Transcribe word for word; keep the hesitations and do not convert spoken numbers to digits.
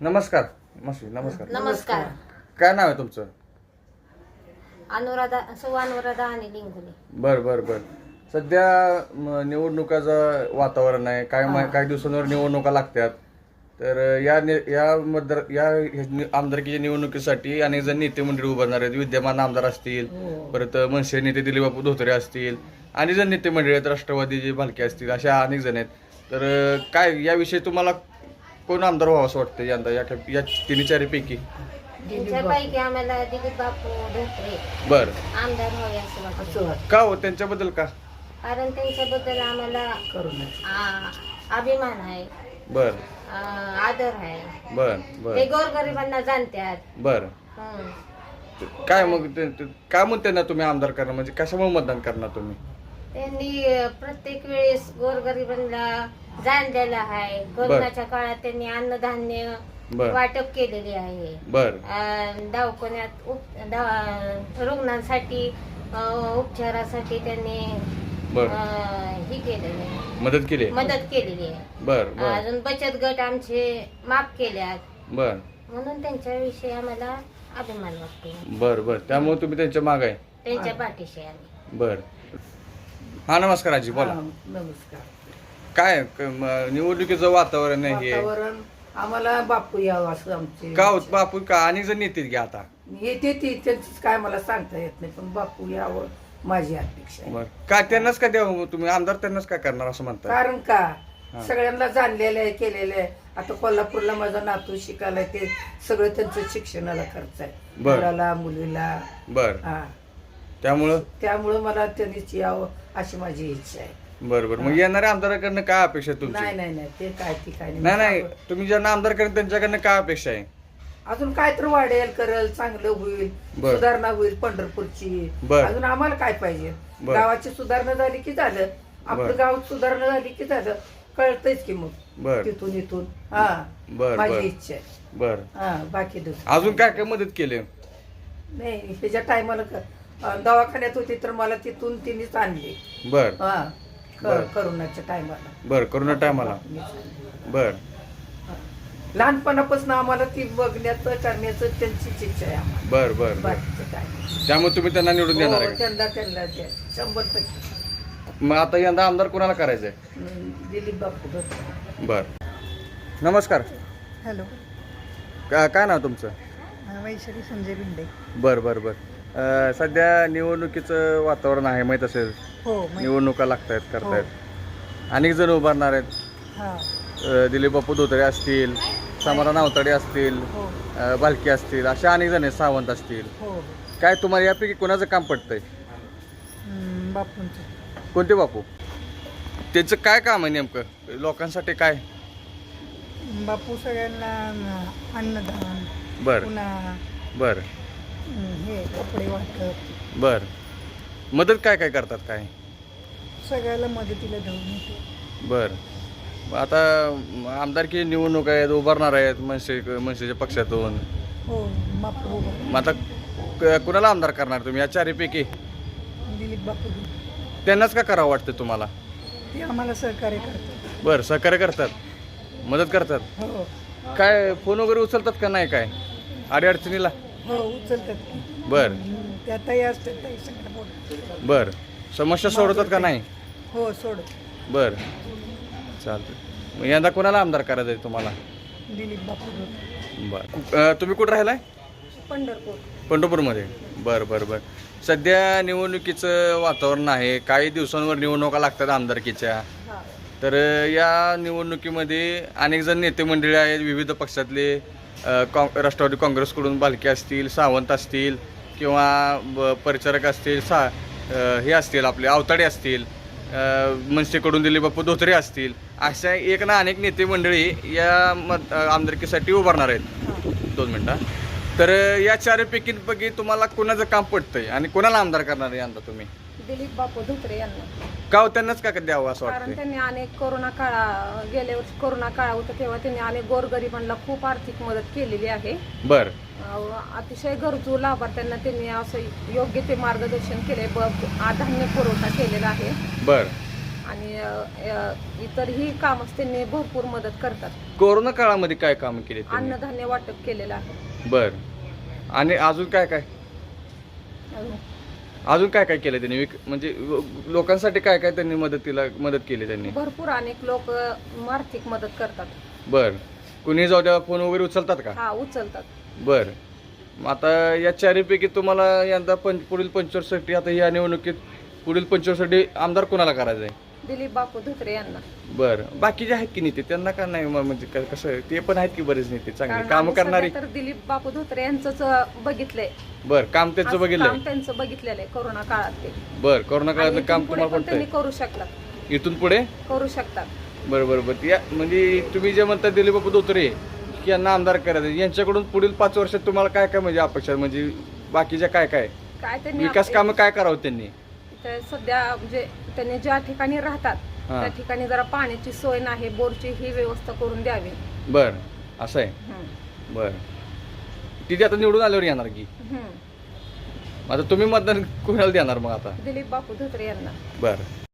नमस्कार मावशी. नमस्कार. नमस्कार. काय नाव आहे तुमचं? अनुराधा सौ अनुराधा आणि लिंगुले. बर बर बर सध्या म, निवडणुकाचं वातावरण आहे. काय मा- काही दिवसांवर निवडणुका लागतात. तर या नि- या मतदार या ह्या आमदारकीच्या निवडणुकीसाठी अनेक जण नेते मंडळी उभारणार आहेत. विद्यमान आमदार असतील, परत मनसे नेते दिलीपबापू धोत्रे असतील, अनेक जण नेते मंडळी आहेत, राष्ट्रवादीचे भालके असतील, अशा अनेक जण आहेत. तर काय याविषयी तुम्हाला कोण आमदार व्हावं असं वाटतं यंदा या या तिन्ही चारीपैकी? त्यांच्यापैकी आम्हाला दिलीप बापू धोत्रे बर आमदार व्हावे असं वाटतं. का हो त्यांच्याबद्दल का? कारण त्यांच्याबद्दल आम्हाला आ- अभिमान आहे, बर आ, आदर आहे. बर बर ते गोरगरिबांना जाणतात. बर हं. काय मग ते- ते- काय म्हणते ना तुम्ही आमदार करणार म्हणजे कशामुळे मतदान करणार तुम्ही? त्यांनी अ, प्रत्येक वेळेस गोरगरिबांना जाणलेलं आहे. कोरोनाच्या काळात त्यांनी अन्नधान्य बर वाटप केलेले आहे. बर अं, दवाखान्यात उप दवा- रुग्णांसाठी अं, उपचारासाठी त्यांनी बर अं, हे केलेलं आहे, मदत केली आहे? मदत केलेली आहे. बर बर अजून बचत गट आमचे माफ केल्यात, बर म्हणून त्यांच्याविषयी आम्हाला अभिमान वाटतो. बर बर त्यामुळे तुम्ही त्यांच्या माग आहे. त्यांच्या पाठीशी आम्ही. बर हा नमस्कार आजी बोला. हा, नमस्कार. काय क- म- निवडणुकीचं वातावरण आहे हे. वातावरण आम्हाला बापू यावं असं आमचे का होत बापू का अनेक जण येतील की आता? येते ती त्यांचीच काय मला सांगता येत नाही, पण बापू यावं माझी अपेक्षा आहे. बर का त्यांनाच का द्यावं मग तुम्ही आमदार त्यांनाच काय करणार असं म्हणता? कारण का हा. सगळ्यांना जाणलेलं आहे, केलेलं आहे. आता कोल्हापूरला माझा नातू शिकायला आहे, ते सगळं त्यांचं शिक्षणाला खर्च आहे, बर. मुलाला मुलीला. बर हा त्यामुळं त्यामुळं मला त्यांनीच यावं अशी माझी इच्छा आहे. बर बर मग येणाऱ्या आमदाराकडनं काय अपेक्षा आहे तुमची? नाही नाही नाही ते काय ती काय नाही नाही तुम्ही ज्यांना आमदार करेल त्यांच्याकडनं काय अपेक्षा आहे? अजून काय तर वाढेल, करल, चांगलं होईल, बर. सुधारणा होईल पंढरपूरची. बर. अजून आम्हाला काय पाहिजे? बर. गावाची सुधारणा झाली की झालं, बर. आपलं गाव सुधारणा झाली की झालं, कळतच की मग बर तिथून इथून. हा बर माझी बर इच्छा आहे. बर हा बाकी दुसरं अजून काय काय मदत केली? नाही. ह्याच्या टायमाला दवाखान्यात होती तर मला तिथून तिनेच आणली. बर हा बर. क- करोनाच्या टायमाला. बर करोना टायमाला. बर लहानपणापासून आम्हाला ती बघण्याचं करण्याचं त्यांचीच इच्छा आहे आम्हाला. बर बर बर बाकीचं काय नाही. त्यामुळे तुम्ही त्यांना निवडून देणार हो, आहे का? त्यांना त्यांना द्या. शंभर टक्के. मग आता यंदा आमदार कोणाला करायचंय? हम्म, दिलीप बापू धोत्रे. बर नमस्कार. हॅलो, का काय नाव तुमचं? वैशाली संजय भिंडे. बर बर बर अं, सध्या निवडणुकीचं वातावरण आहे माहीत असेल. हो माहित- निवडणुका लागतायत करतायत अनेक जण उभारणार आहेत. हा अं, दिलीप बापू धोत्रे असतील, समाधान आवताडे असतील, हो अं, भालके असतील, अशा अनेक जण आहेत, सावंत असतील. हो काय तुम्हाला यापैकी कोणाचं काम पडतंय? हम्म, बापूंचं. कोणते बापू? त्यांचं काय काम आहे नेमकं लोकांसाठी काय? बापू सगळ्यांना अं, अन्नदान, बर पुन्हा बर हम्म, हे कपडे वाटप, बर मदत काय काय करतात काय? सगळ्याला मदतीला धावून येते. बर आता आमदारकी निवडणूक आहेत, उभारणार आहेत मनसे मनसेच्या पक्षातून. हो बापू उभा. मग आता क- कुणाला आमदार करणार तुम्ही या चारीपैकी? दिलीप बापू त्यांनाच का करावं वाटतं तुम्हाला? ते आम्हाला सहकार्य करतात. बरं सहकार्य करतात, मदत करतात. हो काय फोन वगैरे उचलतात का नाही काय अडीअडचणीला? हो उचलतात की. बर हम्म, त्या ताई असतात, ताई सगळं बोलतात. बर समस्या सोडवतात का नाही? हो सोड. बर चालतं. मग यंदा कोणाला आमदार करायचं आहे तुम्हाला? दिलीप बापू धोत्रे. बर अं, तुम्ही कुठं राहिलाय? पंढरपूर. पंढरपूरमध्ये. बरं बरं बरं सध्या निवडणुकीचं वातावरण आहे. काही दिवसांवर निवडणुका लागतात आमदारकीच्या. हा तर या निवडणुकीमध्ये अनेक जण नेते मंडळी आहेत विविध पक्षातले. अ, काँ राष्ट्रवादी काँग्रेसकडून भालके असतील, सावंत असतील किंवा ब- परिचारक असतील, सा अ, हे असतील आपले आवताडे असतील, अ, मनसेकडून दिलीप बापू धोत्रे असतील, अशा एक ना अनेक नेते मंडळी या मत आमदारकीसाठी उभारणार आहेत. हा दोन मिनटं. तर या चारपैकीपैकी तुम्हाला कोणाचं काम पडतंय आणि कोणाला आमदार करणार आहे यंदा तुम्ही? दिलीप बापू धोत्रे यांना. का हो, त्यांनाच का द्यावं असं कारण वाटतंय? त्यांनी अनेक कोरोना काळा गेल्या वर्षी कोरोना काळ होता तेव्हा त्यांनी अनेक गोरगरिबांना खूप आर्थिक मदत केलेली आहे. बर अं, अतिशय गरजू लाभार्थ्यांना त्यांनी असं योग्य ते मार्गदर्शन केले, ब आ- धान्य पुरवठा केलेला आहे. बर आणि अ, अ, इतरही कामच त्यांनी भरपूर मदत करतात. कोरोना काळामध्ये काय काम केले त्यांनी? अन्नधान्य वाटप केलेलं आहे. बर. आणि अजून काय काय अजून अजून काय काय केलं त्यांनी विक- म्हणजे लोकांसाठी काय काय त्यांनी मदतीला मदत केली त्यांनी? भरपूर अनेक लोक आर्थिक मदत करतात. बर. कुणी जाऊ द्या फोन वगैरे उचलतात का? हा उचलतात. बर. मग आता या चारीपैकी तुम्हाला यंदा पंच पुढील पंचवर्षासाठी आता या निवडणुकीत पुढील पंचवर्षासाठी आमदार कोणाला करायचं आहे? दिलीप बापू धोत्रे यांना. बर. बाकीचे आहेत की नेते त्यांना का नाही मग म्हणजे क- कसं आहे? ते पण आहेत की बरेच नेते चांगले कारण काम आम्ही करणारे? सध्या तर दिलीप बापू धोत्रे यांचंच बघितलंय. बर. काम त्यांचं असं बघितलंय? काम त्यांचं बघितलेलं आहे कोरोना काळात ते. बर. कोरोना आणि काळातलं इथून काम पुढे तुम्हाला पण त्यांनी पडतंय? करू शकतात. इथून पुढे करू शकतात. बरं बरं बरं या म्हणजे तुम्ही जे म्हणता दिलीप बापू धोत्रे की यांना आमदार करायचं यांच्याकडून पुढील पाच वर्षात तुम्हाला काय काय म्हणजे अपेक्षा आहे? म्हणजे बाकीच्या काय काय काय त्यांनी विकास आप- कामं काय करावं त्यांनी? इथे सध्या म्हणजे त्यांनी ज्या ठिकाणी राहतात हा. त्या ठिकाणी जरा पाण्याची सोय नाही, बोरची ही व्यवस्था करून द्यावी. बर. असं आहे. हम्म. बर. तिथे आता निवडून आल्यावर येणार की हम्म. आता तुम्ही मतदान कोणाला देणार मग आता? दिलीप बापू धोत्रे यांना. बर.